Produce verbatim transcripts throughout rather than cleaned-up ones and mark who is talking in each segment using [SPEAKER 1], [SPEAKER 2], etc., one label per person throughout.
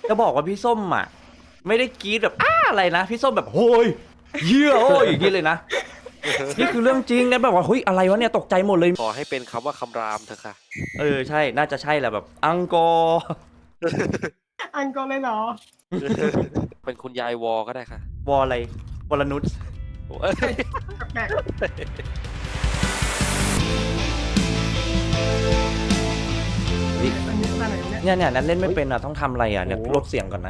[SPEAKER 1] จะบอกว่าพี่ส้มอ่ะไม่ได้กรี๊ดแบบอ้าอะไรนะพี่ส้มแบบโหยเยี่ยโอ้ยอย่างนี้เลยนะนี่คือเรื่องจริงนะแบบว่าเฮ้ยอะไรวะเนี่ยตกใจหมดเลย
[SPEAKER 2] ขอให้เป็นคำว่าคำรามเถอะค่ะ
[SPEAKER 1] เออใช่น่าจะใช่แหละแบบอังกอร์
[SPEAKER 3] อันกอร์เลยเหรอ
[SPEAKER 2] เป็นคุณยายวอก็ได้ค่ะ
[SPEAKER 1] วออะไรวรนุช
[SPEAKER 2] โอ้ย
[SPEAKER 3] แปลกๆอันนี้ตาไหนเนี่ย
[SPEAKER 1] เนี่ยเนี่ยนั้นเล่นไม่เป็นอ่ะต้องทำอะไรอ่ะเนี่ยลดเสียงก่อนนะ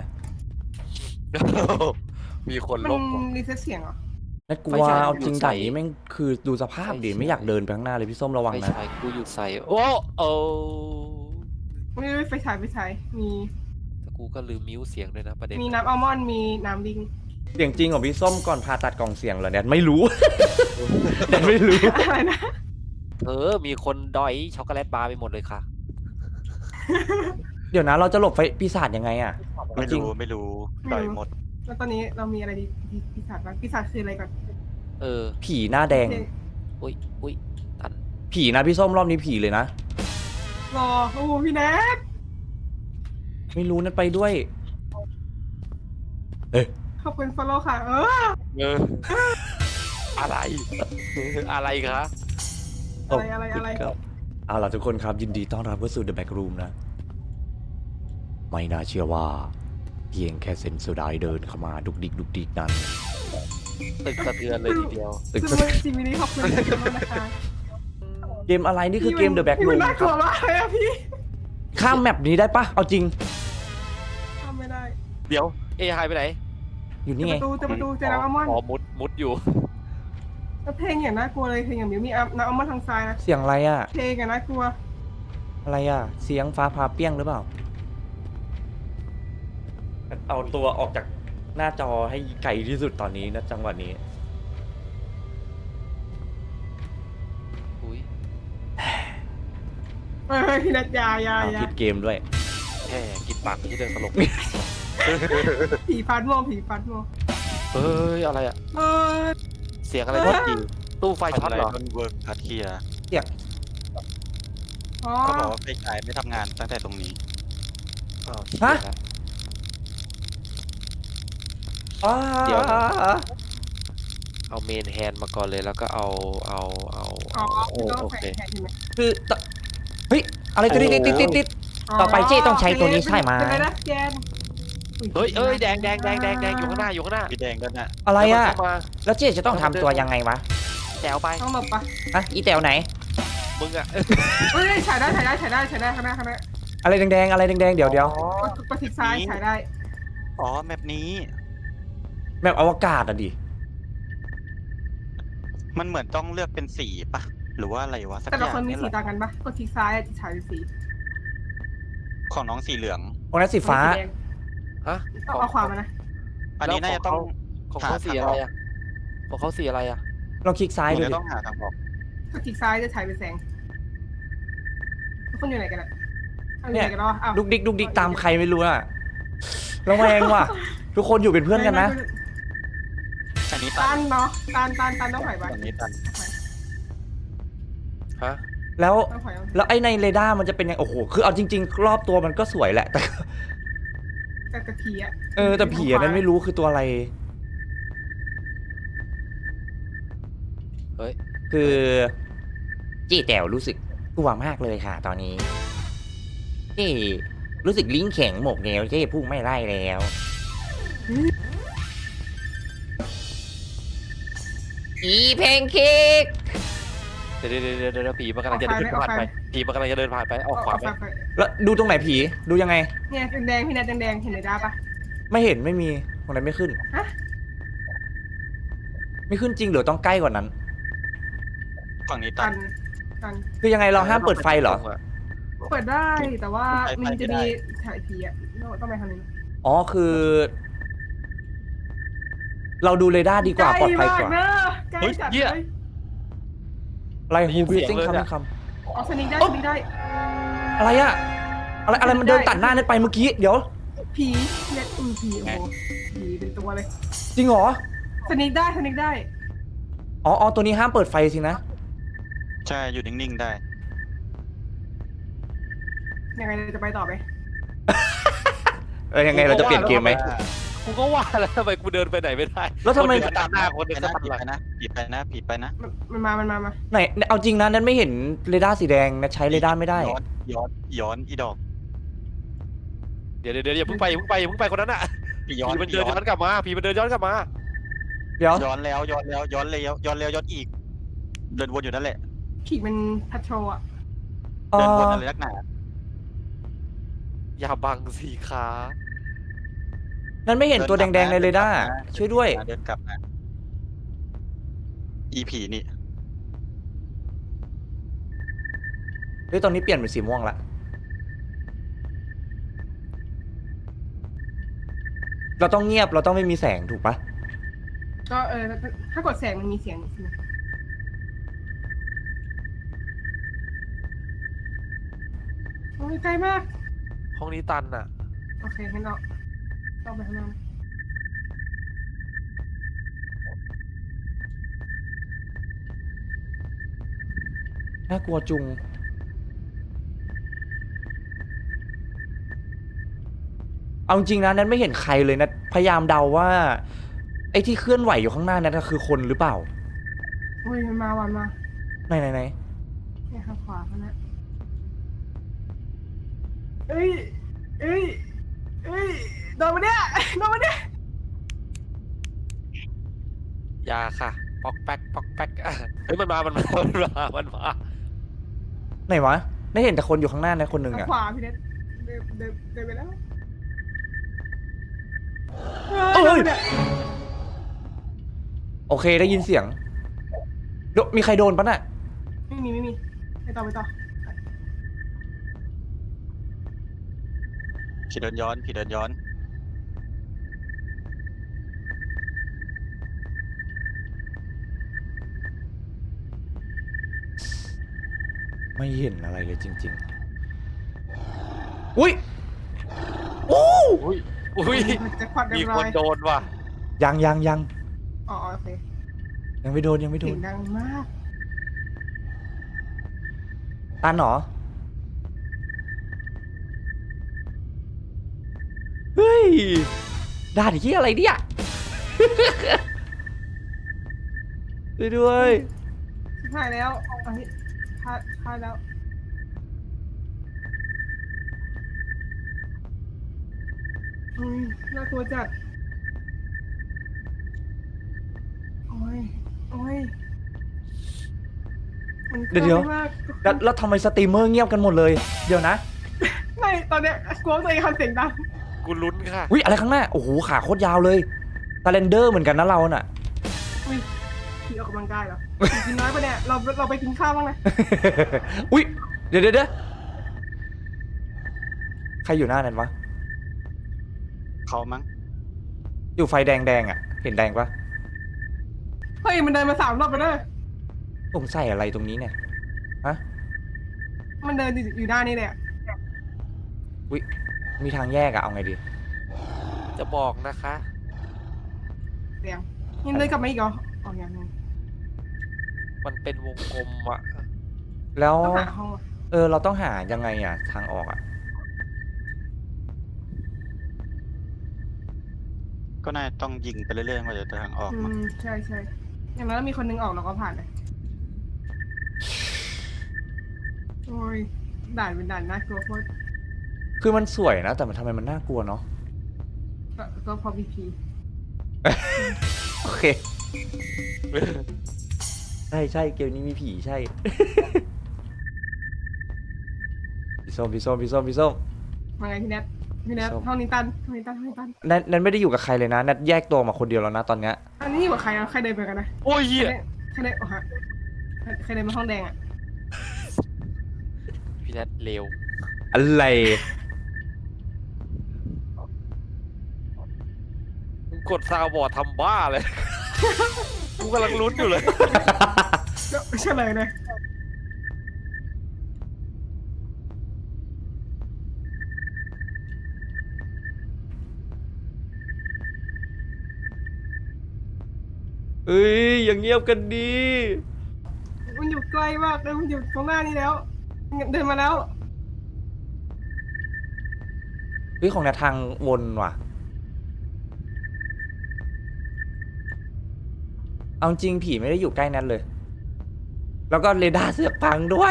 [SPEAKER 2] มีคน
[SPEAKER 3] มัน
[SPEAKER 2] ลบว่ะ
[SPEAKER 3] รีเซ็ตเสียงเหรอ
[SPEAKER 1] นั่นกลั
[SPEAKER 2] ไม่
[SPEAKER 1] ว
[SPEAKER 2] ใช่
[SPEAKER 1] เอาจริง
[SPEAKER 2] อยู่ใส่
[SPEAKER 1] ด่านนี้แม่งคือดูสภาพดิ
[SPEAKER 2] ไม่ใช่
[SPEAKER 1] ไม่อยากเดินไปข้างหน้าเลยพี่ส้มระวัง
[SPEAKER 2] ไม่
[SPEAKER 1] นะ
[SPEAKER 2] ใช่กูอยู่ใส่โอ้โอ้
[SPEAKER 3] ไม่ได้ไฟฉายไฟฉายมี
[SPEAKER 2] แต่กูก็ลืมมิวเสียงด้วยนะประเด็น
[SPEAKER 3] มีน้ำอัลมอนด์มีน้ำลิง
[SPEAKER 1] เสียงจริงของพี่ส้มก่อนผ่าตัดกล่องเสียงเหรอเนี่ยไม่รู้ แต่ไม่รู้
[SPEAKER 3] อะไรนะ
[SPEAKER 2] เออมีคนดอยช็อกโกแลตบาร์ไปหมดเลยค่ะ
[SPEAKER 1] เดี๋ยวนะเราจะหลบไฟปีศาจยังไงอ่ะ
[SPEAKER 4] ไม่
[SPEAKER 1] จริง
[SPEAKER 4] รู้ไม่รู้ต่อยหมด
[SPEAKER 3] แล้วตอนนี้เรามีอะไรดีปีศาจบ้างปีศาจคืออะไรก่อน
[SPEAKER 2] เออ
[SPEAKER 1] ผีหน้าแดง
[SPEAKER 2] อุ้ยอุ้ยตัน
[SPEAKER 1] ผีนะพี่ส้มรอบนี้ผีเลยนะ
[SPEAKER 3] รอโอ้โหพี่แน็ก
[SPEAKER 1] ไม่รู้นั่นไปด้วย เอ๊ะ
[SPEAKER 3] ขอบคุณฟอลโล่ค่ะ เออ
[SPEAKER 2] เอออะไร อะไรคะ
[SPEAKER 3] อะไรอะไรอะไร
[SPEAKER 1] ครับเอาล่ะทุกคนครับยินดีต้อนรับเข้าสู่ The Back Room นะ ไม่น่าเชื่อว่า เพียงแค่เซนโซไดเดินเข้ามาดุกดิกดุกดิกนั้น
[SPEAKER 2] ตึกสะเทือนเลยทีเดียว
[SPEAKER 1] ตึก
[SPEAKER 3] ซึ่งวันจิมินี่ขอบคุณมากนะคะ
[SPEAKER 1] เกมอะไรนี่คือเกม The Back
[SPEAKER 3] พี่มัน
[SPEAKER 1] Room
[SPEAKER 3] น่า
[SPEAKER 1] ค
[SPEAKER 3] กลั
[SPEAKER 1] รั
[SPEAKER 3] ว
[SPEAKER 1] บ
[SPEAKER 3] มากเลยอะพี่
[SPEAKER 1] ข้ามแมปนี้ได้ปะเอาจริง
[SPEAKER 3] ทำไม่ได้
[SPEAKER 2] เดี๋ยว เอหายไปไหน
[SPEAKER 1] อยู่
[SPEAKER 3] เจ
[SPEAKER 1] นี่
[SPEAKER 3] อ
[SPEAKER 1] ไง
[SPEAKER 3] ประตูเจอประตูเจอน้ำอัลมอนด์
[SPEAKER 2] อ๋อมุดมุดอยู่
[SPEAKER 3] แล้วเพลงอย่างน่ากลัวเลยเพลงอย่างมิวมีน้ำอัลมอนด์ทางซ้ายนะ
[SPEAKER 1] เสียงอะไรอ่ะ
[SPEAKER 3] เพลงอย่างน่ากลัว
[SPEAKER 1] อะไรอ่ะ เสียงฟ้าผ่าเปี้ยงหรือเปล่า เอาตัวออกจากหน้าจอให้ไกลที่สุดตอนนี้นะจังหวะนี้
[SPEAKER 2] อุ้ย
[SPEAKER 3] เฮ้ยพี่นัทยายา
[SPEAKER 1] อ้าวย
[SPEAKER 3] า
[SPEAKER 1] ผิดเกมด้วย
[SPEAKER 2] แค่กินปากไม่ใช่เรื่องตลก
[SPEAKER 3] ผีฟันม่วงผีฟันม่วง
[SPEAKER 2] เฮ้ย อะไรอะ
[SPEAKER 3] เออ
[SPEAKER 2] เสียงอะไร
[SPEAKER 3] เอ้ย
[SPEAKER 2] ช็อตจีตู้ไฟช็อต
[SPEAKER 4] อะไร
[SPEAKER 2] เหรอ
[SPEAKER 4] ต้นเวิร์กพัทเทีย
[SPEAKER 3] อ๋อ
[SPEAKER 4] เขาบอกว่าไฟฉายไม่ทำงานตั้งแต่ตรงนี้
[SPEAKER 2] อ้าว
[SPEAKER 1] ฮะ
[SPEAKER 2] เชี่ยละ
[SPEAKER 1] อ้า
[SPEAKER 2] เดี๋ยว เอาเมนแฮนด์มาก่อนเลยแล้วก็เอาเอาเอา
[SPEAKER 3] อ๋อ
[SPEAKER 2] เอา
[SPEAKER 3] คือต้อง
[SPEAKER 2] โอ
[SPEAKER 3] แขว
[SPEAKER 2] เคน
[SPEAKER 3] แขนใช่ไหม
[SPEAKER 1] คือตะเฮ้ย อะไรตัวนี้ติดติดติดติด ต่อไปเจ๊ต้องใช้ตัวนี้ใช่ไหม
[SPEAKER 3] เป็นไรนะแกน
[SPEAKER 2] เฮ้ยเอ้ยแดงแดงแดงแดงแดงอยู่ข้างหน้าอยู่ข้างหน้า
[SPEAKER 4] พี่แดงก็น่ะ
[SPEAKER 1] อะไรอ่ะ
[SPEAKER 2] เดี๋ยวมันเข้ามา
[SPEAKER 1] แล้วเจ๊จะต้องทำตัวยังไงวะ
[SPEAKER 2] แถวไป
[SPEAKER 3] ต้องหลบปะ
[SPEAKER 1] อ่ะอีแตวไหน
[SPEAKER 2] มึงอะ
[SPEAKER 3] เฮ้ยฉายได้ฉายได้ฉายได้ฉายได้ข้างหน้าข้างหน้า
[SPEAKER 1] อะไรแดงๆ อะไรแดงๆ เดี๋ยวเดี๋ยว
[SPEAKER 2] อ๋อก
[SPEAKER 3] ดกดทิศซ้ายฉายได้
[SPEAKER 4] อ๋อแมปนี้
[SPEAKER 1] แบบอวกาศอ่ะดิ
[SPEAKER 4] มันเหมือนต้องเลือกเป็นสีปะหรือว่าอะไรวะสัก
[SPEAKER 3] แต่
[SPEAKER 4] อ
[SPEAKER 3] ละ
[SPEAKER 4] ย่าง
[SPEAKER 3] คนมี
[SPEAKER 4] นี่
[SPEAKER 3] สี
[SPEAKER 4] แหละ
[SPEAKER 3] ต่างกันปะกดทิศซ้ายจะฉายเป็นสี
[SPEAKER 4] ของน้องสีเหลือง
[SPEAKER 1] ตรงนั้นสีฟ้า
[SPEAKER 3] สีแดง
[SPEAKER 2] ฮะ
[SPEAKER 3] ต้องเอาความมานะ
[SPEAKER 4] อันนี้น่าจะต้อง
[SPEAKER 2] ของเขาสีอะไรอะของเขาสีอะไรอะ
[SPEAKER 1] ลองคลิกซ้าย
[SPEAKER 4] ผม
[SPEAKER 1] ดู
[SPEAKER 4] จะ
[SPEAKER 1] ดิ
[SPEAKER 4] ต้องหาทางออก
[SPEAKER 3] กดทิศซ้ายจะฉายเป็นแสงทุกคนอยู่ไหนกันอะเอาอยู่ไหนกันแล้วอะอ้าว
[SPEAKER 1] ดุกดิกดุกดิกตามใครไม่รู้อ่ะระแวงว่ะ ทุกคนอยู่เป็นเพื่อนกันนะ
[SPEAKER 4] อันนี้ตั
[SPEAKER 3] ตั
[SPEAKER 4] น
[SPEAKER 3] นเนาะตันตันตันต้องถอยไป
[SPEAKER 4] อันนี้ตัน
[SPEAKER 2] ฮะ
[SPEAKER 1] แล้ว
[SPEAKER 3] ต้องถอยต้องถอย
[SPEAKER 1] แล้วไอ้ในเรดาร์มันจะเป็นยังโอ้โห คือเอาจริง ๆ รอบตัวมันก็สวยแหละ แต่
[SPEAKER 3] แต่แต่ผีอะ
[SPEAKER 1] เออแต่ผีอันนั้นไม่รู้คือตัวอะไร
[SPEAKER 2] เฮ้ย
[SPEAKER 1] คือจี้แต๋วรู้สึกกลัวมากเลยค่ะ ตอนนี้จี้รู้สึกลิ้นแข็งหมกแล้วจี้พุ่งไม่ไล่แล้วอีเพนเค้ก
[SPEAKER 2] เดี๋ยวเดี๋ยวเดี๋ยวเดี๋ยวผีมันกำลังจะเดินผ่านไปผีมันกำลังจะเดินผ่านไปออกขวา
[SPEAKER 3] เอา
[SPEAKER 2] ไป
[SPEAKER 3] ไฟไฟ
[SPEAKER 1] แล้วดูตรงไหนผีดูยังไง
[SPEAKER 3] เนี่ยแดงๆพี่นัทแดงๆเห็นเลยได้ปะ
[SPEAKER 1] ไม่เห็นไม่มีตรงไหนไม่ขึ้น
[SPEAKER 3] ฮะ
[SPEAKER 1] ไม่ขึ้นจริงหรือต้องใกล้กว่านั้น
[SPEAKER 4] ฝั่งนี้ตั
[SPEAKER 3] ตั
[SPEAKER 4] น
[SPEAKER 3] นตัน
[SPEAKER 1] คือยังไงเราห้ามเปิดไฟเหรอ
[SPEAKER 3] เปิดได้แต่ว่า
[SPEAKER 4] ไฟ
[SPEAKER 3] มันจะ
[SPEAKER 4] ไม่ได้
[SPEAKER 3] มีฉายผีอะต้องไปทางนี้
[SPEAKER 1] อ๋อคือ เราดูเรดาร์ดีกว่าปลอดภัยกว่า
[SPEAKER 3] ใกล้มากเนอะใกล้
[SPEAKER 2] เฮ้ย
[SPEAKER 3] จัด
[SPEAKER 2] เหี้
[SPEAKER 3] เลย ย
[SPEAKER 1] อะไร
[SPEAKER 2] ได้ยิ
[SPEAKER 1] ฮู
[SPEAKER 2] น
[SPEAKER 1] บิ
[SPEAKER 2] เสียง
[SPEAKER 1] ซิง
[SPEAKER 2] เลย
[SPEAKER 1] คำ
[SPEAKER 2] เนี่ย
[SPEAKER 1] ค
[SPEAKER 3] อ๋อสนิงได้
[SPEAKER 1] โอ๊ะ
[SPEAKER 3] สนิงได้
[SPEAKER 1] ำอะไรอะอะไรอะไรมันเดินตัดหน้านั่นไปเมื่อกี้เดี๋ยว
[SPEAKER 3] ผีเนี่ยอืมผีโอ้โหผีเป็นตัวเลย
[SPEAKER 1] จริงเหรอ
[SPEAKER 3] สนิงได้สนิงได้
[SPEAKER 1] อ๋ออ๋อตัวนี้ห้ามเปิดไฟสินะ
[SPEAKER 4] ใช่อยู่นิ่งๆได้
[SPEAKER 3] ยังไงจะไปต่อไหม
[SPEAKER 1] ไปเออยังไงเราจะเปลี่ยนเกมไหม
[SPEAKER 2] กูก็ว่าแล้วทำไมกูเดินไปไหนไม่ได้
[SPEAKER 1] แล้วทำไม
[SPEAKER 2] คนเดินตามหน้าคนเดิ
[SPEAKER 4] ไป
[SPEAKER 2] น
[SPEAKER 4] นะ
[SPEAKER 2] ตาม
[SPEAKER 4] ผิด
[SPEAKER 2] หลัง
[SPEAKER 4] ไปนะผิดไปนะผิดไปนะ
[SPEAKER 3] มันมันมา มันมา มา
[SPEAKER 1] ไหนเอาจริงนะนั้นไม่เห็นเรดาร์สีแดงนะใช้เรดาร์ไม่ได้
[SPEAKER 4] ย้อนย้อนย้อนอีดอก
[SPEAKER 2] เดี๋ยวเดี๋ยวเดี๋ยวอย่าเพิ่งไปอย่าเพิ่งไปอย่าเพิ่งไปคนนั้นอ่ะ
[SPEAKER 4] พี่
[SPEAKER 2] ผี
[SPEAKER 4] ย้อน
[SPEAKER 2] มัน
[SPEAKER 4] พี่
[SPEAKER 2] เดิน
[SPEAKER 4] ย้อ
[SPEAKER 2] ย้อน นกลับมาผีมันเดินย้อนกลับมา
[SPEAKER 1] เดี๋ยว
[SPEAKER 4] ย้อนแล้วย้อนแล้วย้อนแล้วย้อนแล้วย้อนอีก เดินวนอยู่นั่นแหละ
[SPEAKER 3] ผีมันพัทโทรอ่ะ
[SPEAKER 1] เอ
[SPEAKER 4] เดินวน
[SPEAKER 1] อ
[SPEAKER 4] อะไรนักหนา
[SPEAKER 2] อย่าบังสีขา
[SPEAKER 1] นั้นไม่เห็นตัวแดงๆในเรดาร์ช่วยด้วย
[SPEAKER 4] เดินกลับนะอีผีนี่
[SPEAKER 1] เฮ้ยตอนนี้เปลี่ยนเป็นสีม่วงละเราต้องเงียบเราต้องไม่มีแสงถูกปะ
[SPEAKER 3] ก็เออ ถ้าถ้ากดแสงมันมีเสียงใช่ไหมโอ้ยไกลมาก
[SPEAKER 2] ห้องนี้ตันอ่ะ
[SPEAKER 3] โอเคงั้นเราต้องไปข้างหน้า
[SPEAKER 1] น่ากลัวจุง เอาจริงนะนั้นไม่เห็นใครเลยนะ พยายามเดาว่า ไอ้ที่เคลื่อนไหวอยู่ข้างหน้านั้นนะคือคนหรือเปล่า
[SPEAKER 3] อุ้ยมันมาวันมา
[SPEAKER 1] ไหนไหนไหน
[SPEAKER 3] เนี่ยข้างขวาเขานะเอ้ยเอ้ยเอ้ยโดนมาเนี่ยโดนมาเนี่ย
[SPEAKER 2] ยาค่ะป๊อกแป๊กป๊อกแป๊กอ่ะเฮ้ยมันมา มันมา มันมา มันมา
[SPEAKER 1] ไหนวะได้เห็นแต่คนอยู่ข้างหน้านะคนหนึ่ง
[SPEAKER 3] ทาง
[SPEAKER 1] อะ
[SPEAKER 3] ขวาพี่เน็ตเดินเดินเดินไปแล้ว
[SPEAKER 1] เอ้ย
[SPEAKER 3] โดนมาเนี่ย
[SPEAKER 1] โอเคได้ยินเสียงโดมีใครโดนปะน่ะ
[SPEAKER 3] ไม่มีไม่มีไปต่อไปต่อ
[SPEAKER 4] ผีเดินย้อนผีเดินย้อน
[SPEAKER 1] ไม่เห็นอะไรเลยจริงๆ อุ้ยโอ้
[SPEAKER 2] อุ้ย อุ้ย
[SPEAKER 3] แจ็คพอตเรี
[SPEAKER 2] มี
[SPEAKER 3] ยบ
[SPEAKER 2] ค
[SPEAKER 3] ร้อน ย
[SPEAKER 2] โดนว่ะ
[SPEAKER 1] ยังยังยัง
[SPEAKER 3] อ๋อโอเค
[SPEAKER 1] ยังไม่โดนยังไม่โด
[SPEAKER 3] เสีย
[SPEAKER 1] น
[SPEAKER 3] งดังมาก
[SPEAKER 1] ตันเหรอ เฮ้ยด่านที่อะไรเนี่ย ช่วยด้วย
[SPEAKER 3] ถ่ายแล้วอันนี้ถ่ายถ่ายแล้วอุ้ยน่ากลัวจัดโอ้ยโอ้ยมันก
[SPEAKER 1] เดี๋ยว
[SPEAKER 3] ลั
[SPEAKER 1] เดี๋ยว
[SPEAKER 3] มาก
[SPEAKER 1] แล้วแล้วทำไมสตรีมเมอร์เงียบกันหมดเลย เดี๋ยวนะ
[SPEAKER 3] ไม่ตอนเนี้ยกลัวตัวเองทำเสียงดัง
[SPEAKER 2] กูลุ้นค่ะ
[SPEAKER 1] อุ้ยอะไรข้างหน้า โอ้โหขาโคตรยาวเลยตาเลนเดอร์เหมือนกันนะเราน่ะ
[SPEAKER 3] อุ้ยพี่ออกกำลังกายเหรอกินน้อยปะเนี่ยเราเราไปกินข้าวบ้างไหม
[SPEAKER 1] อุ้ยเดี๋ยวเดี๋ยวเดี๋ยวใครอยู่หน้านั้นวะ
[SPEAKER 4] เขามั้ง
[SPEAKER 1] อยู่ไฟแดงแดงๆอ่ะ เห็นแดงปะ
[SPEAKER 3] เฮ้ยมันเดินมาสามรอบไปเลย
[SPEAKER 1] สงสัยอะไรตรงนี้เนี่ย ฮะ
[SPEAKER 3] มันเดินอยู่อยู่ด้านนี้เลยอะ
[SPEAKER 1] อุ้ยมีทางแยกอะเอาไงดี
[SPEAKER 2] จะบอกนะคะ
[SPEAKER 3] เสียงยังเดินกลับมาอีกเหรออ๋อยังยัง
[SPEAKER 2] มันเป็นวงกลมอ่ะ
[SPEAKER 1] แล้ว
[SPEAKER 3] ต้องหาห้องอะ
[SPEAKER 1] เออเราต้องหายังไงอ่ะ ทางออกอ่ะ
[SPEAKER 4] ก็น่าต้องยิงไปเรื่อยๆว่าจะทางออก
[SPEAKER 3] อื
[SPEAKER 4] มั้ง
[SPEAKER 3] มใช่ใช่อย่างนั้นมีคนนึงออกเราก็ผ่านเลยโอ้ยด่านเป็นด่านน่ากลัวโคตร
[SPEAKER 1] คือมันสวยนะ แต่มันทำไมมันน่ากลัวเนาะ
[SPEAKER 3] ก็ก็พอพีพี
[SPEAKER 1] โอเค ใช่ใช่เกมนี้มีผีใช่ พี่ส้มพี่ส้มพี่ส้มพี่ส้ม
[SPEAKER 3] มาไงพี่แนทพี่แนท
[SPEAKER 1] ส้ม
[SPEAKER 3] ห้องนี้ตันห้องนี้ตันห้องนี้ตัน
[SPEAKER 1] นัทนัทไม่ได้อยู่กับใครเลยนะนัทแยกตัวมาคนเดียวแล้วนะตอนเนี้ย
[SPEAKER 3] อันนี้อยู่กับใครอ่ะใครเดินไปกันนะ
[SPEAKER 2] โอ้ย
[SPEAKER 3] ใคร
[SPEAKER 2] เหี้ย
[SPEAKER 3] เดินใครเดินโอ้ฮะใครใครเดินมาห้องแดงอ่ะ
[SPEAKER 2] พี่แนทเร็ว
[SPEAKER 1] อะไร
[SPEAKER 2] มึงกดซาวบอร์ดทำบ้าเลย กูกำลังลุ้นอยู่เลย
[SPEAKER 3] ก็เฉลยเลย
[SPEAKER 1] เอ้ยอย่างเงียบกันดี
[SPEAKER 3] มันอยู่ใกล้มากเลยมันอยู่ตรงหน้านี้แล้วเดินมาแล้ว
[SPEAKER 1] พฮ้ยของแนททางวนว่ะเอาจริงผีไม่ได้อยู่ใกล้แนทเลย แล้วก็เรดาร์เสือกพังด้วย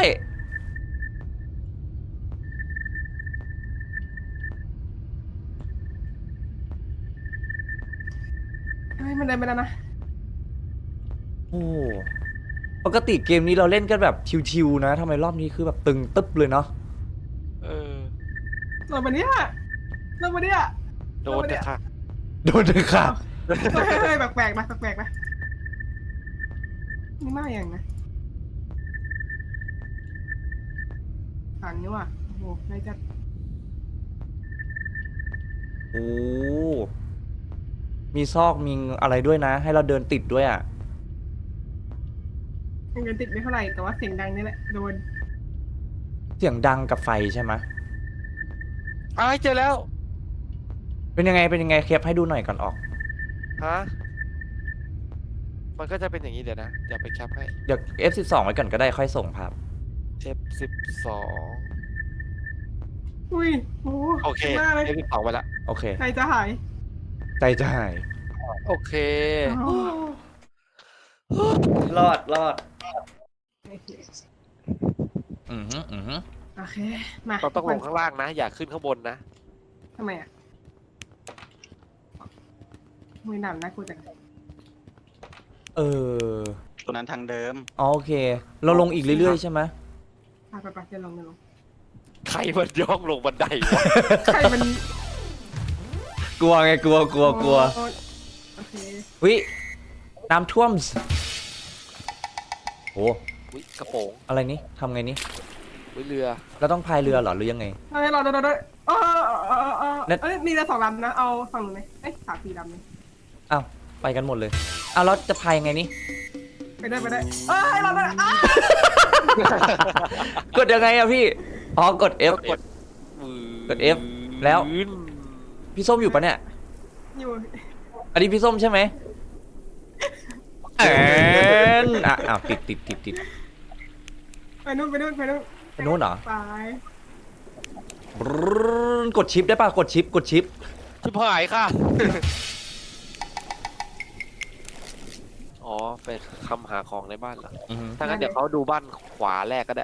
[SPEAKER 3] เฮ้ยมันเดินไปแล้วนะ
[SPEAKER 1] โอ้ปกติเกมนี้เราเล่นกันแบบชิวๆนะทำไมรอบนี้คือแบบตึงตึ๊บเลยเนาะ
[SPEAKER 2] เออ
[SPEAKER 3] เรามาเนี่ยเรามาเนี่ย
[SPEAKER 2] โดนเถอะค่ะ
[SPEAKER 1] โดนเลยค่ะ
[SPEAKER 3] เฮ้ยเฮ้ยแปลกๆนะแปลกๆนะนี่มาอย่างนะผ่านนี่ว่ะโอ้โหใครจะ
[SPEAKER 1] โอ้มีซอกมีอะไรด้วยนะ ให้เราเดินติดด้วยอ่ะ
[SPEAKER 3] เงินติดไม่เท่าไหร่แต่ว่าเสียงดังนี่แหละโดน
[SPEAKER 1] เสียงดังกับไฟใช่ไหม
[SPEAKER 2] อ้ายเจอแล้ว
[SPEAKER 1] เป็นยังไงเป็นยังไงเคปให้ดูหน่อยก่อนออก
[SPEAKER 2] ฮะ มันก็จะเป็นอย่างนี้เดี๋ยวนะ เดี๋ยวไปแคปให้
[SPEAKER 1] เดี๋ยว เอฟ สิบสอง ไว้ก่อนก็ได้ค่อยส่งภาพ
[SPEAKER 2] เอฟ สิบสอง
[SPEAKER 3] อุ้ยโอ้
[SPEAKER 2] โอเค
[SPEAKER 3] มากเลย
[SPEAKER 2] เอฟ สิบสองไปละ
[SPEAKER 1] โอเค
[SPEAKER 3] ใครจะหาย
[SPEAKER 1] ใจจะหาย
[SPEAKER 2] โอเค
[SPEAKER 3] อ๋อ
[SPEAKER 1] รอดรอด
[SPEAKER 3] โอเค
[SPEAKER 1] อือหืออือหือ
[SPEAKER 3] โอเคมา
[SPEAKER 2] เราต้องลงข้างล่างนะ อย่าขึ้นข้างบนนะ
[SPEAKER 3] ทำไมอ่ะมือหนำนะกูจัง
[SPEAKER 1] เออ
[SPEAKER 4] ตรงนั้นทางเดิม
[SPEAKER 1] อ๋อโอเค เราลงอีกเรื่อยๆใช่ไหม
[SPEAKER 3] ไปไปไปเดินลงเดินลง
[SPEAKER 2] ใครมันย่องลงบันไดวะ
[SPEAKER 3] ใครมัน
[SPEAKER 1] กลัวไงกลัวกลัวกลัว
[SPEAKER 3] โอ้โอเค
[SPEAKER 1] วิน้ำท่วมโอ้
[SPEAKER 2] อุ๊ยกระโปรง
[SPEAKER 1] อะไรนี่ทำไงนี่
[SPEAKER 2] อุ๊ยเรือ
[SPEAKER 1] เราต้องพายเรือเหรอหรือยังไง
[SPEAKER 3] เฮ้ยรอเดี๋ยวเดี๋ยวเดี๋ยวเออเออเออเออ
[SPEAKER 1] เน็ต
[SPEAKER 3] เอ้ยมีเรือสองลำนะ เอาฝั่งหนึ่งไหมเอ้ยสามสี่ลำเลย
[SPEAKER 1] อ้าวไปกันหมดเลยอ้าวเราจะพายยังไงนี่
[SPEAKER 3] ไปได้ไปได้เอ้ยเราได้อ้าก
[SPEAKER 1] ดยังไงอะพี่อ๋อกด F
[SPEAKER 2] กด
[SPEAKER 1] กด F แล้ว พี่ส้มอยู่ปะเนี่ย
[SPEAKER 3] อยู่
[SPEAKER 1] อันนี้พี่ส้มใช่ไหมแอนอ่ะอ้าวติดติดติดติด
[SPEAKER 3] ไปนู่นไปนู่นไปนู่น
[SPEAKER 1] ไปนู้นเหรอ
[SPEAKER 3] ไป
[SPEAKER 1] บรึ้นกดชิปได้ป่ะกดชิปกดชิป
[SPEAKER 2] ชิบหายค่ะ อ๋อเป็นคำหาของในบ้านเหรอ
[SPEAKER 1] อือหือ
[SPEAKER 2] ถ้างั้นเดี๋ยวเขาดูบ้านขวาแรกก็ได้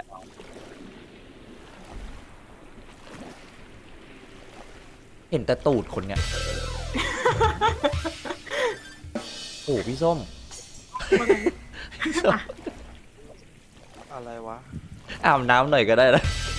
[SPEAKER 1] เห็นแต่ตูดคนเนี่ยโอ้พี่ส้ม
[SPEAKER 3] ว่าไง
[SPEAKER 1] พี่ส้ม
[SPEAKER 2] อะไรวะ
[SPEAKER 1] อาบน้ำหน่อยก็ได้นะ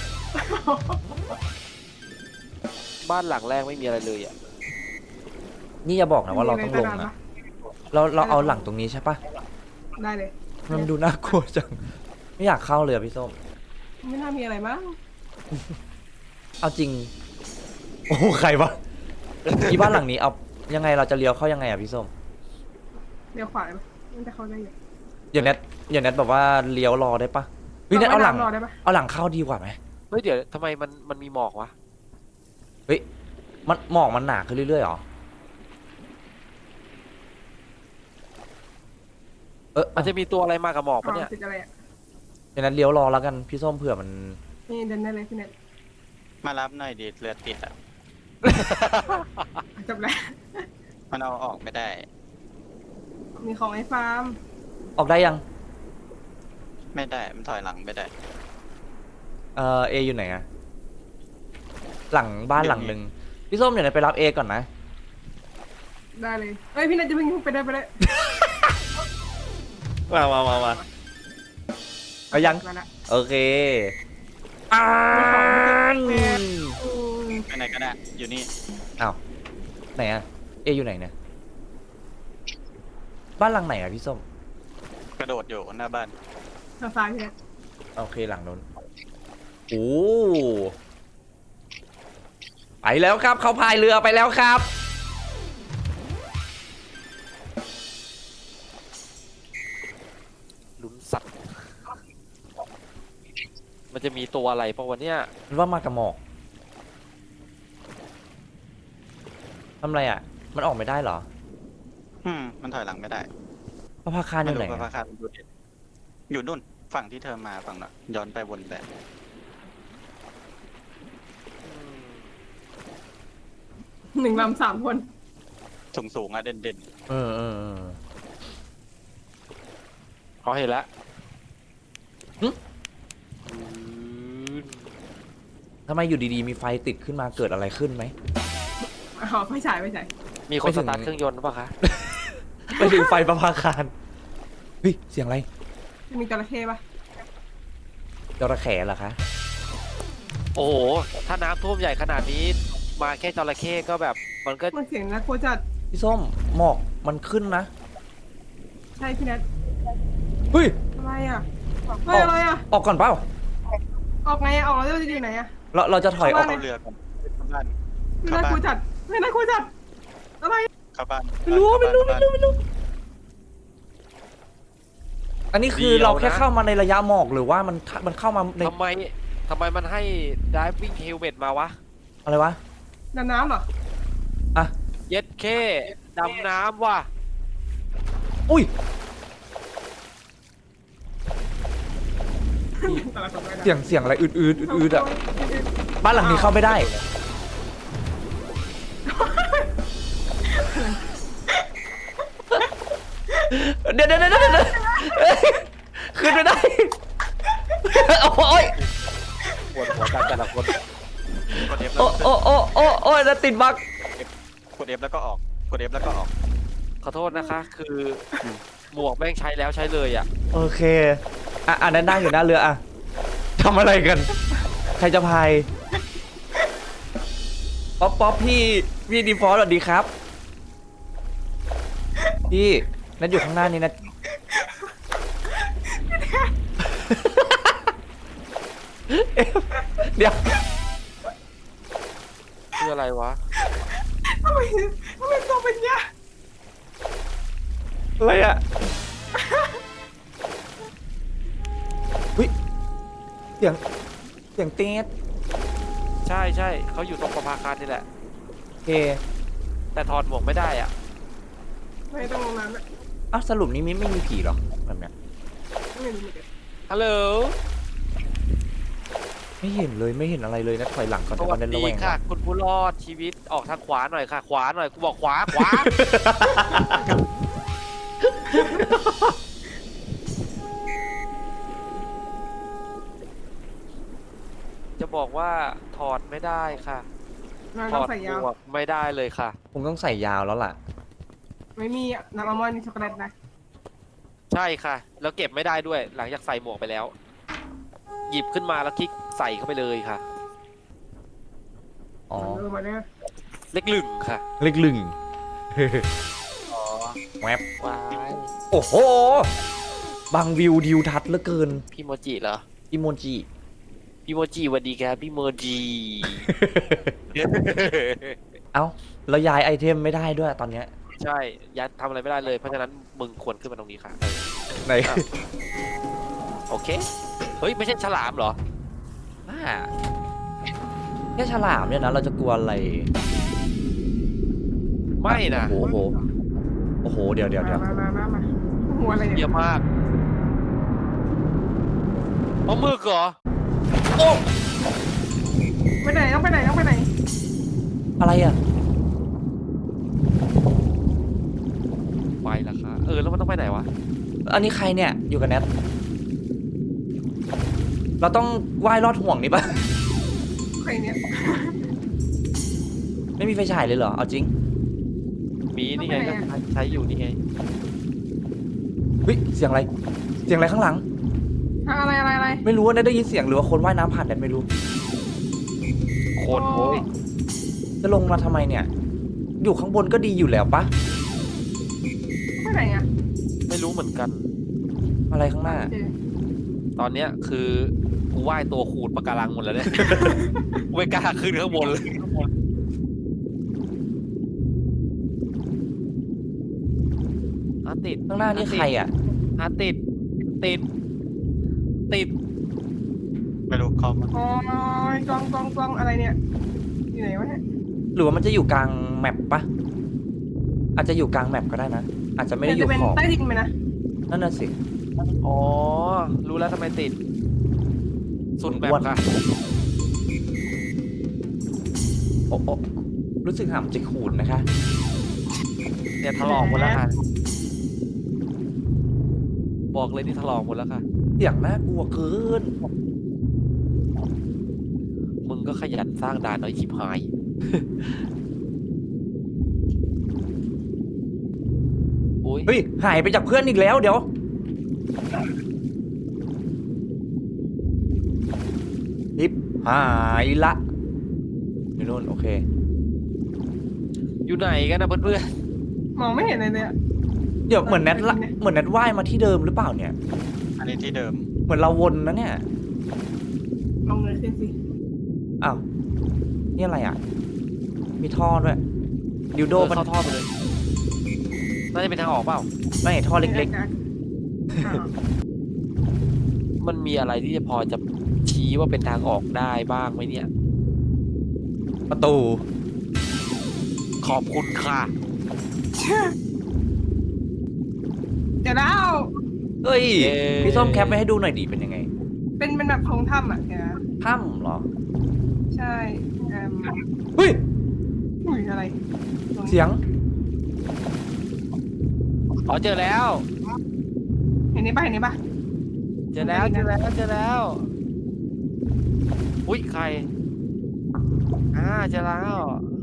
[SPEAKER 2] บ้านหลังแรกไม่มีอะไรเลยอ่ะ
[SPEAKER 1] นี่อย่าบอกนะว่าเราต้องลงนะเราเราเอาหลังตรงนี้ใช่ปะ
[SPEAKER 3] ได้เลย
[SPEAKER 1] มันดูน่ากลัวจังไม่อยากเข้าเลยอะพี่ส้ม
[SPEAKER 3] ไม่น่ามีอะไรมั้ง
[SPEAKER 1] เอาจริง โอ้โหใครวะที่บ้านหลังนี้เอายังไงเราจะเลี้ยวเข้ายังไงอะพี่ส้ม
[SPEAKER 3] เดี๋ยวขวาเลยปะมันจะเข้าได้อยู่
[SPEAKER 1] อย่าแนทอย่าแนทแบบว่าเลี้ยวรอได้ปะเฮ้ยแนทเอาหลัง
[SPEAKER 3] รอได้ปะ
[SPEAKER 1] เอาหลังเข้าดีกว่าไหม
[SPEAKER 2] เฮ้ยเดี๋ยวทำไมมันมันมีหมอกวะ
[SPEAKER 1] เฮ้ยมันหมอกมันหนาขึ้นเรื่อยๆหรอเออ
[SPEAKER 2] มันจะมีตัวอะไรมากับหมอกปะเนี่ย
[SPEAKER 3] ติดอะไรอ่ะ
[SPEAKER 1] อย่าแนทเลี้ยวรอแล้วกันพี่ส้มเผื่อมัน
[SPEAKER 3] นี่เดินได้เลยพี่เน็ต
[SPEAKER 4] มารับหน่อยดิเรือติดอ่ะ
[SPEAKER 3] จบแล้ว
[SPEAKER 4] มันเอาออกไม่ได้
[SPEAKER 3] มีของไอ้ฟาร์ม
[SPEAKER 1] ออกได้ยัง
[SPEAKER 4] ไม่ได้ มันถอยหลังไม่ได้
[SPEAKER 1] เออเออยู่ไหนอะหลังบ้านหลังหนึ่งพี่ส้มเดี๋ยวแนทไปรับเอก่อนนะ
[SPEAKER 3] ได้เลยเอ้ยพี่เน็ตจะเพิ่งไปได้ไปได้
[SPEAKER 1] มามามามาเอายัง
[SPEAKER 3] มาละ
[SPEAKER 1] โอเคอ่าน
[SPEAKER 3] อืม
[SPEAKER 4] ไปไหนก็ได้ อยู่นี่
[SPEAKER 1] อ้าวไหนอะเออยู่ไหนเนี่ยบ้านหลังไหนอะพี่ส้ม
[SPEAKER 4] กระโดดอยู่หน้าบ้าน
[SPEAKER 3] ทางซ้ายพี่เน็ต
[SPEAKER 1] โอเคหลังนู้นโอ้ไปแล้วครับเขาพายเรือไปแล้วครับ
[SPEAKER 2] ลุ้นสัตว์ มันจะมีตัวอะไรปะวันเนี้ย
[SPEAKER 1] มันว่ามากับหมอกทำไรอะมันออกไม่ได้เหรอ
[SPEAKER 4] อืม มันถอยหลังไม่ได้
[SPEAKER 1] พระพาคารอยู่ไหน
[SPEAKER 4] ไม่รู้
[SPEAKER 1] อะ
[SPEAKER 4] พระคาตดูดิอยู่นู่น ฝั่งที่เธอมาฝั่งน่ะ ย้อนไปวนไป
[SPEAKER 3] หนึ่งลำสามคน
[SPEAKER 4] สูงสูงๆอะเด่นเด่น
[SPEAKER 1] เออเออเออ
[SPEAKER 2] เขาเห็นแล้ว
[SPEAKER 1] หึ ทำไมอยู่ดีๆมีไฟติดขึ้นมาเกิดอะไรขึ้นไหม
[SPEAKER 3] อ๋อไม่ใช่ไม่ใช่
[SPEAKER 2] มีคน
[SPEAKER 1] ไม่ถึ
[SPEAKER 2] ส
[SPEAKER 1] ง
[SPEAKER 2] ตาร์ทเครื่องยนต์หรือเปล่าคะ
[SPEAKER 1] ไปถึงไฟประภาคารเฮ้ยเสียงอะไร
[SPEAKER 3] มีจระเข้ปะ
[SPEAKER 1] จระเข้เหรอคะ
[SPEAKER 2] โอ้โห ถ้าน้ำท่วมใหญ่ขนาดนี้ มาแค่จระเข้ก็แบบ มันก็
[SPEAKER 3] มันเสียงน่ากลัวจัด
[SPEAKER 1] พี่ส้มหมอกมันขึ้นนะ
[SPEAKER 3] ใช่พี่แนท
[SPEAKER 1] เฮ้ย
[SPEAKER 3] อะไรอ่ะเฮ้ยอะไรอ่ะ
[SPEAKER 1] ออกก่อนเปล่า
[SPEAKER 3] ออกไงอ่ะออกแล้วจะอยู่ไหนอ่ะ
[SPEAKER 1] เราเราจะถอยออก
[SPEAKER 4] ๆเข้าเรือก่อนเข้าบ้าน
[SPEAKER 3] ไม่
[SPEAKER 4] เข้า
[SPEAKER 3] น่ากลัว
[SPEAKER 4] บ้าน
[SPEAKER 3] จัดไม่น่ากลัวจัดอะไร
[SPEAKER 4] เข้าบ้าน
[SPEAKER 1] ไม่รู้ไม่รู้ไม่รู้ไม่รู้ อันนี้คือเราแค่เข้ามาในระยะหมอกหรือว่ามันมันเข้ามาใน
[SPEAKER 2] ทำไมทำไมมันให้ diving helmet มาวะ
[SPEAKER 1] อะไรวะ
[SPEAKER 3] ดำน้ำเหรอ
[SPEAKER 1] อ่ะ
[SPEAKER 2] เย็ดเข้ดำน้ำว่ะ
[SPEAKER 1] อุ้ย
[SPEAKER 3] แต่ละคนไม่ได้
[SPEAKER 1] เสียงเสียงอะไรอืดอืดอืดอืดอ่ะ บ้านหลังนี้เข้าไม่ได้ เดี๋ยวเดี๋ยวเดี๋ยวเดี๋ยวขึ้นไม่ได้ โอ้ย
[SPEAKER 2] ปวดหัวกันแต่ละคน
[SPEAKER 4] กดเอฟ
[SPEAKER 1] โอ้โอ้โอ้โอ้โอ้ยแล้วติดบัก
[SPEAKER 4] กดเอฟแล้วก็ออกกดเอฟแล้วก็ออก
[SPEAKER 2] ขอโทษนะคะ คือหมวกแม่งใช้แล้วใช้เลยอ่ะ
[SPEAKER 1] โอเค อ่ะอ่ะนั่นนั่งอยู่หน้าเรืออ่ะทำอะไรกัน ใครจะพาย ป๊อปป๊อปพี่ พี่ดีฟอลต์สวัสดีครับ พี่นัดอยู่ข้างหน้านี่นะ เดี๋ยว
[SPEAKER 2] คืออะไรวะ
[SPEAKER 3] ทำไมทำไมตัวเป็นเนี้ย
[SPEAKER 1] อะไรอ่ะวิเสียง เสียงเต๊ด
[SPEAKER 2] ใช่ใช่เขาอยู่ตรงประภาคารนี่แหละ
[SPEAKER 1] โอเค
[SPEAKER 2] แต่ถอดหมวกไม่ได้อ่ะ
[SPEAKER 3] ไม่ต้องลงน้ำอ่ะ
[SPEAKER 1] อ้าวสรุปนี้ไม่ไม่มีผีหรอแบบเนี้ย
[SPEAKER 3] ไม่รู้เหมือนกัน
[SPEAKER 2] ฮัลโหล
[SPEAKER 1] ไม่เห็นเลยไม่เห็นอะไรเลยนะถอยหลังก่อน
[SPEAKER 2] ส
[SPEAKER 1] แต่
[SPEAKER 2] วั
[SPEAKER 1] วั
[SPEAKER 2] ส
[SPEAKER 1] นนั้น
[SPEAKER 2] ดี
[SPEAKER 1] ระแวง
[SPEAKER 2] ค่ะ
[SPEAKER 1] ว่ะ
[SPEAKER 2] คุณผู้รอดชีวิตออกทางขวาหน่อยค่ะ ขวาหน่อยกูบอกขวาขวา จะบอกว่าถอดไม่ได้ค่ะ
[SPEAKER 3] เรา
[SPEAKER 2] ถ
[SPEAKER 3] ต้อ
[SPEAKER 2] อง ด
[SPEAKER 3] ใส่
[SPEAKER 2] ห
[SPEAKER 3] ยาว
[SPEAKER 2] มวกไม่ได้เลยค่ะ
[SPEAKER 1] คงต้องใส่ยาวแล้วล่ะ
[SPEAKER 3] ไม่มีน้ำอัลมอนด์มีช็อกโกแลตนะ
[SPEAKER 2] ใช่ค่ะ แล้วเก็บไม่ได้ด้วย หลังจากใส่หมวกไปแล้ว หยิบขึ้นมาแล้วคลิกใส่เข้าไปเลยค่ะ
[SPEAKER 1] อ๋อ
[SPEAKER 3] เออมาเนี่ย
[SPEAKER 2] เล็กหลึงค่ะ
[SPEAKER 1] เล็กลึง
[SPEAKER 2] อ๋อ
[SPEAKER 1] แวบ
[SPEAKER 2] ว้าย
[SPEAKER 1] โอ้โห บางวิวดิวทัศน์เหลือเกิน
[SPEAKER 2] พี่โมจิเหรอ
[SPEAKER 1] อิโมจิ
[SPEAKER 2] พี่โมจิสวัสดีครับพี่โมจิ
[SPEAKER 1] เอ้า แล้วย้ายไอเทมไม่ได้ด้วยตอนเนี้ย
[SPEAKER 2] ใช่ยัดทำอะไรไม่ได้เลย เพราะฉะนั้นมึงควรขึ้นมาตรงนี้ค่ะเออ
[SPEAKER 1] ไหน
[SPEAKER 2] อ่ะ โอเค เฮ้ย ไม่ใช่ฉลามเหรอ
[SPEAKER 1] บ้าแค่ฉลามเนี่ยนะ เราจะกลัวอะไร
[SPEAKER 2] ไม่นะ
[SPEAKER 1] โอ้โห โอ้โห เดี๋ยวเดี๋ยวเดี๋ยว
[SPEAKER 3] มามามามาหัวอะไร
[SPEAKER 2] เย
[SPEAKER 3] เนี่ย
[SPEAKER 2] อะมากเอามือเหรอ
[SPEAKER 1] โอ้
[SPEAKER 3] ไปไหนต้องไปไหนต้องไปไหน
[SPEAKER 1] อะไรอ่ะ
[SPEAKER 2] ไปละค่ะ เออ แล้วมันต้องไปไหนวะ
[SPEAKER 1] อันนี้ใครเนี่ย อยู่กับแนท เราต้องว่ายรอดห่วงนี่ปะ
[SPEAKER 3] ใครเนี่ย
[SPEAKER 1] ไม่มีไฟฉายเลยเหรอ เอาจริง
[SPEAKER 2] มีนี่ไง
[SPEAKER 3] ต้องไปไหน
[SPEAKER 2] ก็
[SPEAKER 3] อะ
[SPEAKER 2] ใช้อยู่นี่ไง
[SPEAKER 1] เฮ้ย เสียงอะไร เสียงอะไรข้างหลัง
[SPEAKER 3] อะไรอะไรอะไร
[SPEAKER 1] ไม่รู้ว่าแนทได้ยินเสียงหรือว่าคนว่ายน้ำผ่านแนทไม่รู้
[SPEAKER 2] โคตรโว้ย
[SPEAKER 1] จะลงมาทำไมเนี่ย อยู่ข้างบนก็ดีอยู่แล้วปะ
[SPEAKER 3] ไปไหนอ่ะ
[SPEAKER 2] ไม่รู้เหมือนกัน
[SPEAKER 1] อะไรข้างหน้า
[SPEAKER 3] เจ
[SPEAKER 2] ตอนเนี้ยคือกูว่ายตัวขูดปะการังหมดแล้วเนี่ย กูไม่กล้าขึ้นข้างบนเลยอาติด
[SPEAKER 1] ข้างหน้านี่ใครอ่ะ
[SPEAKER 2] อาติด ติด ติด
[SPEAKER 4] ไม่รู้เข้ามา
[SPEAKER 3] อ๋อกล้องกล้องกล้องอะไรเนี่ยอยู่ไหนวะเนี่ย
[SPEAKER 1] หรือว่ามันจะอยู่กลางแมปปะอาจจะอยู่กลางแมปก็ได้นะ อาจจะไม่ได้อยู่
[SPEAKER 3] จะเป็น
[SPEAKER 1] ขอบ
[SPEAKER 3] ใต้ดินไหมนะ
[SPEAKER 1] นั่นน่ะสิ
[SPEAKER 2] อ๋อ รู้แล้วทำไมติด สุดแบบ
[SPEAKER 1] อ้วน
[SPEAKER 2] ค่ะ
[SPEAKER 1] โอ้โอ้รู้สึกหามจะขูดนะคะ
[SPEAKER 2] เนี่ยถลอกหมดแล้วค่ะ บอกเลยนี่ถลอกหมดแล้วค่ะ
[SPEAKER 1] เสียงน่ากลัวเกิน
[SPEAKER 2] มึงก็ขยันสร้างด่านหน่อยชิบหาย โอ้ย
[SPEAKER 1] เฮ้ย หายไปจากเพื่อนอีกแล้วเดี๋ยวฮิปหายละอยู่นู่นโอเค
[SPEAKER 2] อยู่ไหนกันนะเพื่อน
[SPEAKER 3] มองไม่เห็นเลยเนี่ย
[SPEAKER 1] เดี๋ยวเหมือนแนทละเหมือนแนทว่ายมาที่เดิมหรือเปล่าเนี่ย
[SPEAKER 4] อันนี้ที่เดิม
[SPEAKER 1] เหมือนเราวนนะเนี่ย
[SPEAKER 3] ลองเลยขึ้นสิ
[SPEAKER 1] อ้าว นี่อะไรอ่ะ มีท่อด้วยดิว
[SPEAKER 2] ๆ
[SPEAKER 1] โด
[SPEAKER 2] โดน
[SPEAKER 1] มัน
[SPEAKER 2] เข้าท่อไปเลย น่าจะเป็นทางออกเปล่า
[SPEAKER 1] ไม่ท่อเล็ก
[SPEAKER 3] อ้าว
[SPEAKER 2] มันมีอะไรที่จะพอจะชี้ว่าเป็นทางออกได้บ้างไหมเนี่ย
[SPEAKER 1] ๆ ประตู
[SPEAKER 2] ขอบคุณค่ะ
[SPEAKER 3] เดี๋ยวแล้ว
[SPEAKER 1] เอ้ย
[SPEAKER 2] เย้
[SPEAKER 1] พี่ส้มแคปไปให้ดูหน่อยดิเป็นยังไง
[SPEAKER 3] เป็นเป็นแบบโพรงถ้ำอ่ะเดี๋ยวนะ
[SPEAKER 1] ถ้ำเหรอ
[SPEAKER 3] ใช่เอ่ม
[SPEAKER 1] เฮ้ย
[SPEAKER 3] อุ้ยอะไรตรงนี้
[SPEAKER 1] เสียง
[SPEAKER 2] อ๋อเจอแล้ว
[SPEAKER 3] เห็นนี่ปะเห็นนี่ปะ
[SPEAKER 2] เจอแล้วเจอแล้วเจอแล้ว อุ้ยใคร อ่าเจอแล้ว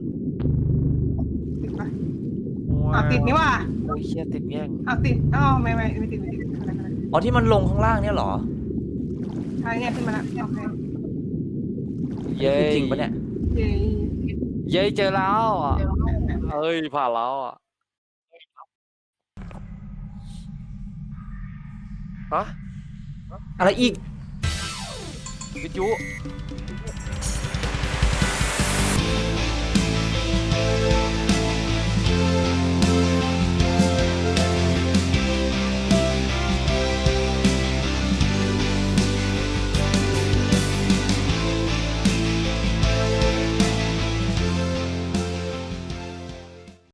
[SPEAKER 3] ติดปะ
[SPEAKER 2] ว้าว
[SPEAKER 3] อ้าวติดนี่ว่ะ
[SPEAKER 2] โอ้ยเชี่ยติดแง่ง
[SPEAKER 3] อ้าวติดอ้าวไม่ไม่ไม่ติดไม่ติดอะไรอะไร
[SPEAKER 1] อ๋อที่มันลงข้างล่างเนี่ยเหรอ
[SPEAKER 3] ใช่เนี่ยขึ้นมาแล้วโอเค
[SPEAKER 2] เย้
[SPEAKER 1] คือจริงปะเนี่ย
[SPEAKER 3] เย้
[SPEAKER 2] เย้เจอแล้วอ่ะ
[SPEAKER 3] เดี๋ยวแบบ
[SPEAKER 2] เอ้ยผ่านแล้วอ่ะฮะ
[SPEAKER 1] อะไรอีก
[SPEAKER 2] วิทยุ